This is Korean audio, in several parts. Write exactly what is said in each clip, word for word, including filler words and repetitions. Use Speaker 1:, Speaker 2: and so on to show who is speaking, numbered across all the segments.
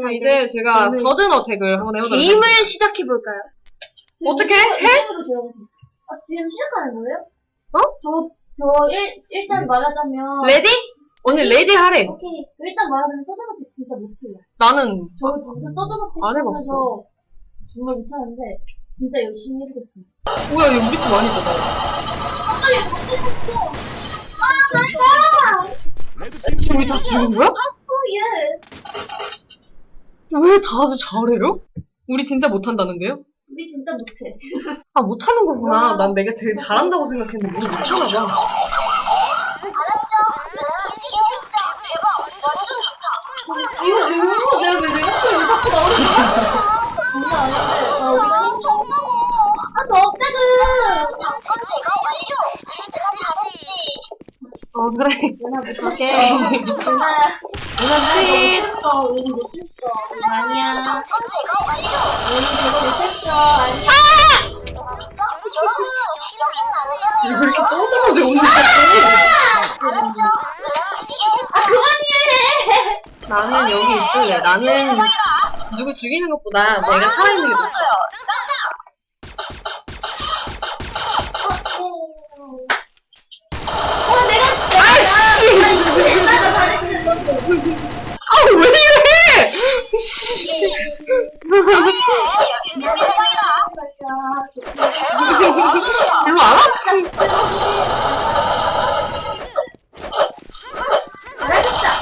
Speaker 1: 그럼 이제 제가
Speaker 2: 오늘
Speaker 1: 서든 어택을 한번 해보도록
Speaker 2: 게임을
Speaker 1: 하겠습니다.
Speaker 2: 시작해볼까요?
Speaker 1: 어떻게 해?
Speaker 3: 아, 지금 시작하는 거예요?
Speaker 1: 어?
Speaker 3: 저, 저, 일, 일단 말하자면.
Speaker 1: 레디? 오늘 레디 하래.
Speaker 3: 오케이. 일단 말하자면 서든어택 진짜 못해요.
Speaker 1: 나는
Speaker 3: 저 진짜 서든어택
Speaker 1: 안 해봤어.
Speaker 3: 하면서 정말 못하는데, 진짜 열심히 해보겠습니다.
Speaker 1: 뭐야 얘 우리 팀 아니잖아.
Speaker 3: 아, 얘 잘못했어! 아, 나이스!
Speaker 1: 지금 우리 다 죽은 거야?
Speaker 3: 오, 예!
Speaker 1: 왜 다들 잘해요? 우리 진짜 못한다는데요?
Speaker 3: 우리 진짜 못해.
Speaker 1: 아 못하는 거구나. 난 내가 제일 잘한다고 생각했는데 우리 못하나 봐.
Speaker 3: 이거 지금 거 내가 왜 내가 왜 자꾸 나오는 거야? 장난 아닌데. 아, 우리가 힘들다고. 아, 더 없다고!
Speaker 1: 어 그래.
Speaker 3: 누나 못했어.
Speaker 1: 오케이.
Speaker 3: 누나,
Speaker 1: 누나 씨.
Speaker 3: 못했어. 우리 못했어. 아니야. 우리 못했어. 아니야.
Speaker 1: 왜 이렇게 똥똥한데 오늘 같이?
Speaker 3: 아, 그만해!
Speaker 1: 나는 여기 있을래. 나는 누구 죽이는 것보다 내가 살아있는 게 좋아.
Speaker 3: 어, 내가,
Speaker 1: 아이씨!
Speaker 3: 내가 잘했는 건데.
Speaker 1: 아 왜 이래! 일로 안 와?
Speaker 3: 잘하셨다.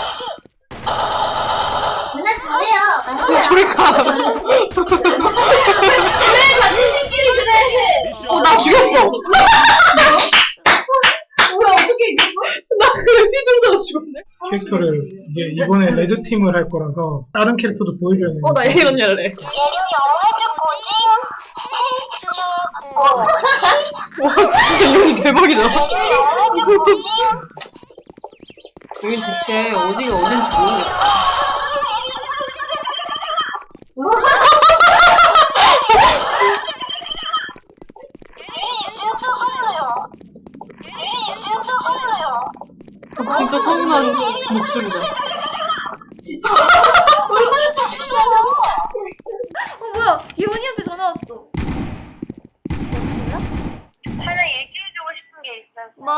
Speaker 3: 누나 잘해요. 아니야.
Speaker 1: 저리 가.
Speaker 3: 왜 같은 팀끼리 그래?
Speaker 1: 어, 나 죽였어.
Speaker 3: 뭐야, 어떻게 이겼어?
Speaker 1: 나 그래, 피정도가 죽었네.
Speaker 4: 캐릭터를 이게 이번에 레드 팀을 할 거라서 다른 캐릭터도 보여줘야 되는
Speaker 1: 어, 나 예린 언니 할래. 와, 진짜 이 언니 대박이다. 여긴 대체 어디가 어딘지 모르겠다. 아, 진짜 서운한 목소리다.
Speaker 3: 진짜. 얼마나 좋으시잖아.
Speaker 2: 어 뭐야? 기훈이한테 전화 왔어.
Speaker 5: 하나 얘기해주고 싶은 게 있어서.
Speaker 2: 뭐?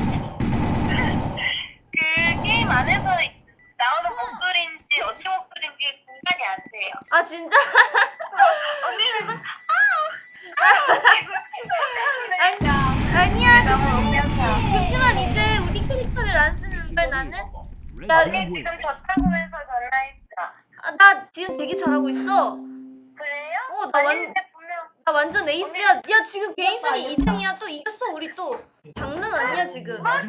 Speaker 5: 그 게임 안에서 나오는 목소리인지 어찌 목소리인지 분간이 안 돼요.
Speaker 2: 아 진짜?
Speaker 5: 언니는
Speaker 2: 아니, 아니야.
Speaker 5: 너무 웃겨서.
Speaker 2: 그렇지만 이제 우리 캐릭터를 안 쓰는 걸 나는. 나,
Speaker 5: 언니 지금 졌다고해서 전화했어.
Speaker 2: 아, 나 지금 되게 잘하고 있어.
Speaker 5: 그래요?
Speaker 2: 어, 나 완,
Speaker 5: 아닌데 분명
Speaker 2: 나 완전 에이스야. 야 지금 개인순위 이 등이야. 또 이겼어 우리 또. 장난 아니야 지금. 와우.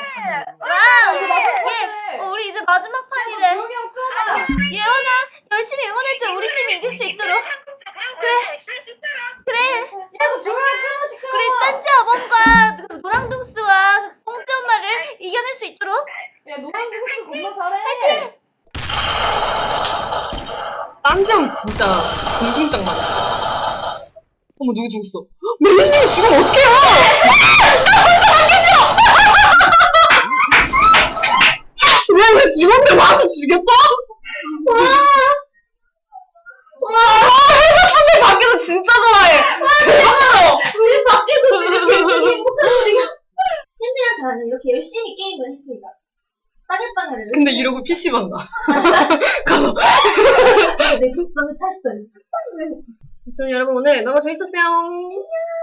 Speaker 2: 예. 어, 우리 이제 마지막 판이래. 예언아 열심히 응원해줘. 우리 팀이 이길 수 있도록. 그래. 그래.
Speaker 3: 야너 조용히 끊어 시끄러워.
Speaker 2: 우리 딴지 어범과 그 노랑둥스와 그 꽁지 엄마를 이겨낼 수 있도록.
Speaker 3: 야 노란 동수 겁나 잘해.
Speaker 1: 딴지형 진짜 공중장 많아. 어머, 누구 죽었어? 메리님이 죽으면 어떡해요! 왜, 왜 죽었는데 와서 죽였어? 와. 와, 해가 선배 밖에서 진짜 좋아해. 대박이다.
Speaker 3: 우리 밖에서 지금 우리가 샌디랑 저는 이렇게 열심히 게임을 했습니다. 따개빵을.
Speaker 1: 근데 이러고 피씨방 가. 가서.
Speaker 3: 내 속성을 찾았어요.
Speaker 1: 저는 여러분 오늘 너무 재밌었어요. 안녕.